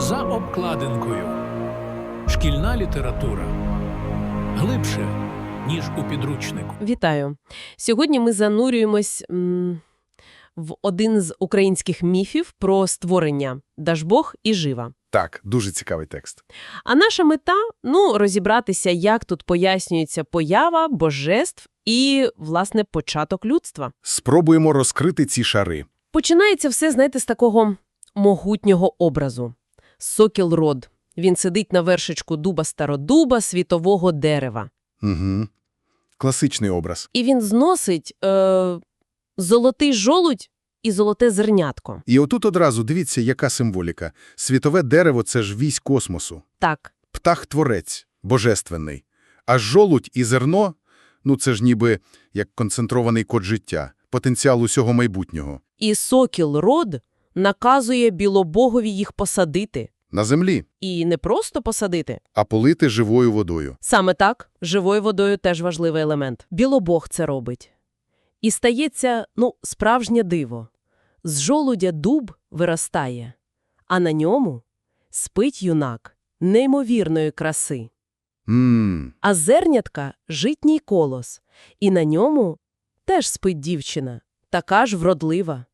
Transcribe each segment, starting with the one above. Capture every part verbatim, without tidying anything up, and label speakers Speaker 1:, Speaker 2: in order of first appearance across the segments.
Speaker 1: За обкладинкою. Шкільна література. Глибше, ніж у підручнику.
Speaker 2: Вітаю! Сьогодні ми занурюємось м, в один з українських міфів про створення Дажбог і Жива.
Speaker 3: Так, дуже цікавий текст.
Speaker 2: А наша мета – ну, розібратися, як тут пояснюється поява божеств і, власне, початок людства.
Speaker 3: Спробуємо розкрити ці шари.
Speaker 2: Починається все, знаєте, з такого могутнього образу. Сокіл-род. Він сидить на вершечку дуба-стародуба, світового дерева.
Speaker 3: Угу. Класичний образ.
Speaker 2: І він зносить е, золотий жолудь і золоте зернятко.
Speaker 3: І отут одразу дивіться, яка символіка. Світове дерево – це ж вісь космосу.
Speaker 2: Так.
Speaker 3: Птах-творець, божественний. А жолудь і зерно – ну це ж ніби як концентрований код життя, потенціал усього майбутнього.
Speaker 2: І сокіл-род наказує білобогові їх посадити.
Speaker 3: На землі.
Speaker 2: І не просто посадити.
Speaker 3: А полити живою водою.
Speaker 2: Саме так, живою водою теж важливий елемент. Білобог це робить. І стається, ну, справжнє диво. З жолудя дуб виростає, а на ньому спить юнак неймовірної краси.
Speaker 3: Ммм.
Speaker 2: А зернятка – житній колос, і на ньому теж спить дівчина, така ж вродлива.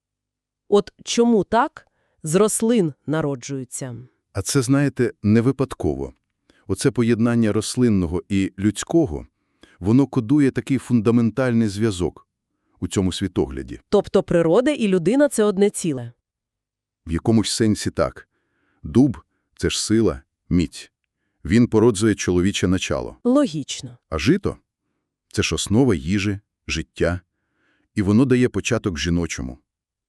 Speaker 2: От чому так? З рослин народжуються.
Speaker 3: А це, знаєте, не випадково. Оце поєднання рослинного і людського, воно кодує такий фундаментальний зв'язок у цьому світогляді.
Speaker 2: Тобто природа і людина – це одне ціле.
Speaker 3: В якомусь сенсі так. Дуб – це ж сила, міць. Він породжує чоловіче начало.
Speaker 2: Логічно.
Speaker 3: А жито – це ж основа їжі, життя. І воно дає початок жіночому.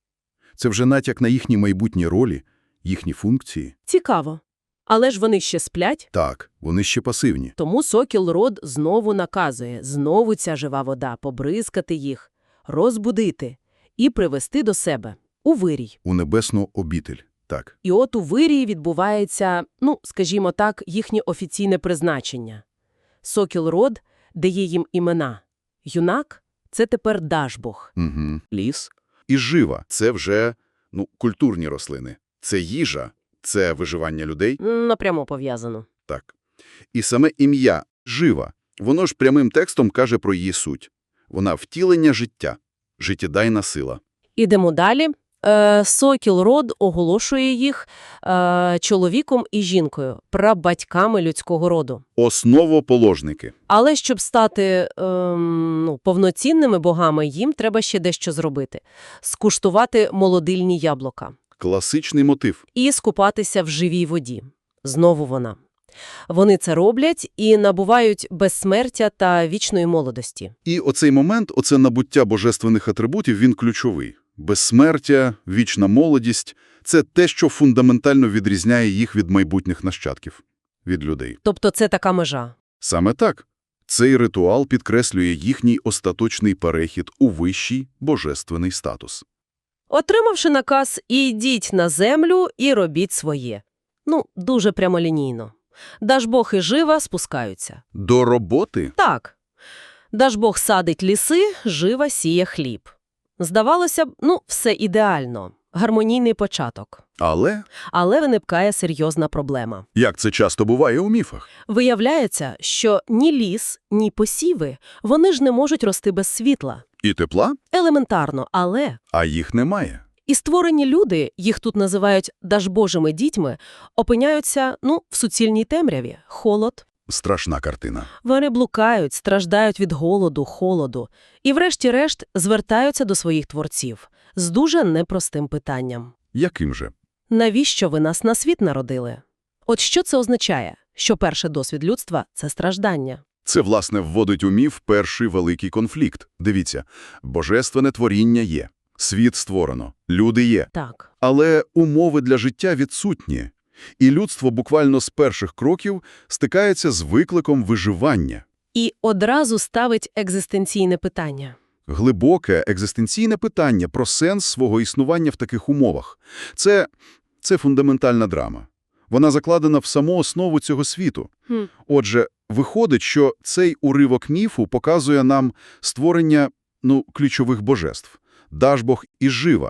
Speaker 3: Це вже натяк на їхні майбутні ролі, їхні функції.
Speaker 2: Цікаво. Але ж вони ще сплять,
Speaker 3: Так, вони ще пасивні.
Speaker 2: тому сокіл-род знову наказує, знову ця жива вода, побризкати їх, розбудити і привести до себе, у вирій.
Speaker 3: У небесну обітель. Так.
Speaker 2: І от у вирії відбувається, ну, скажімо так, їхнє офіційне призначення. Сокіл-род дає їм імена. Юнак – це тепер Дажбог.
Speaker 3: Угу. Ліс і жива – це вже, ну, культурні рослини. Це їжа, це виживання людей.
Speaker 2: Напрямо пов'язано.
Speaker 3: Так. І саме ім'я «жива», воно ж прямим текстом каже про її суть. Вона – втілення життя, життєдайна сила.
Speaker 2: Ідемо далі. Е, Сокіл-род оголошує їх е, чоловіком і жінкою, прабатьками людського роду.
Speaker 3: Основоположники.
Speaker 2: Але щоб стати ем, ну, повноцінними богами, їм треба ще дещо зробити. Скуштувати молодильні яблука.
Speaker 3: Класичний мотив.
Speaker 2: І скупатися в живій воді. Знову вона. Вони це роблять і набувають безсмертя та вічної молодості.
Speaker 3: І оцей момент, оце набуття божественних атрибутів, він ключовий. Безсмертя, вічна молодість – це те, що фундаментально відрізняє їх від майбутніх нащадків, від людей.
Speaker 2: Тобто це така межа.
Speaker 3: Саме так. Цей ритуал підкреслює їхній остаточний перехід у вищий божественний статус.
Speaker 2: Отримавши наказ «ідіть на землю і робіть своє». Ну, дуже прямолінійно. Дажбог і Жива спускаються.
Speaker 3: До роботи?
Speaker 2: Так. Дажбог садить ліси, Жива сіє хліб. Здавалося б, ну, все ідеально. Гармонійний початок.
Speaker 3: Але,
Speaker 2: Але виникає серйозна проблема.
Speaker 3: як це часто буває у міфах,
Speaker 2: Виявляється, що ні ліс, ні посіви, вони ж не можуть рости без світла.
Speaker 3: і тепла,
Speaker 2: Елементарно, але...
Speaker 3: а їх немає.
Speaker 2: І створені люди, їх тут називають дажбожими дітьми, опиняються, ну, в суцільній темряві. Холод.
Speaker 3: Страшна картина.
Speaker 2: Вони блукають, страждають від голоду, холоду. І врешті-решт звертаються до своїх творців з дуже непростим питанням.
Speaker 3: Яким же?
Speaker 2: Навіщо ви нас на світ народили? От що це означає? Що перший досвід людства – це страждання.
Speaker 3: Це, власне, вводить у міф перший великий конфлікт. Дивіться, божественне творіння є, світ створено, люди є.
Speaker 2: Так.
Speaker 3: Але умови для життя відсутні. І людство буквально з перших кроків стикається з викликом виживання.
Speaker 2: І одразу ставить екзистенційне питання.
Speaker 3: Глибоке екзистенційне питання про сенс свого існування в таких умовах. Це, це фундаментальна драма. Вона закладена в саму основу цього світу.
Speaker 2: Хм.
Speaker 3: Отже, виходить, що цей уривок міфу показує нам створення, ну, ключових божеств – Дажбог і Жива.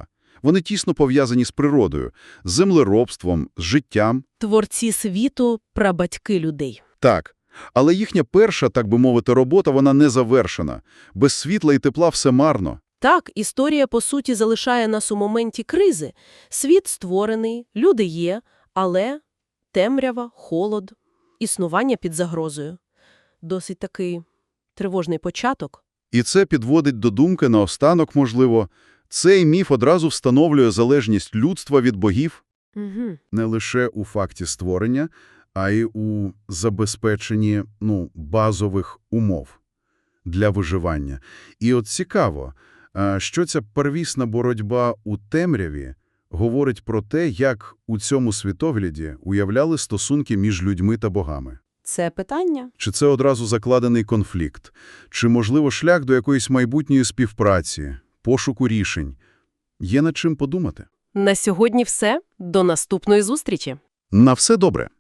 Speaker 3: Вони тісно пов'язані з природою, з землеробством, з життям.
Speaker 2: Творці світу – прабатьки людей.
Speaker 3: Так, але їхня перша, так би мовити, робота, вона не завершена. Без світла і тепла все марно.
Speaker 2: Так, історія, по суті, залишає нас у моменті кризи. Світ створений, люди є, але темрява, холод, існування під загрозою. Досить такий тривожний початок.
Speaker 3: І це підводить до думки наостанок, можливо, цей міф одразу встановлює залежність людства від богів
Speaker 2: Угу.
Speaker 3: не лише у факті створення, а й у забезпеченні, ну, базових умов для виживання. І от цікаво, а, що ця первісна боротьба у темряві говорить про те, як у цьому світогляді уявляли стосунки між людьми та богами.
Speaker 2: Це питання?
Speaker 3: Чи це одразу закладений конфлікт? Чи, можливо, шлях до якоїсь майбутньої співпраці, пошуку рішень? Є над чим подумати.
Speaker 2: На сьогодні все. До наступної зустрічі.
Speaker 3: На все добре.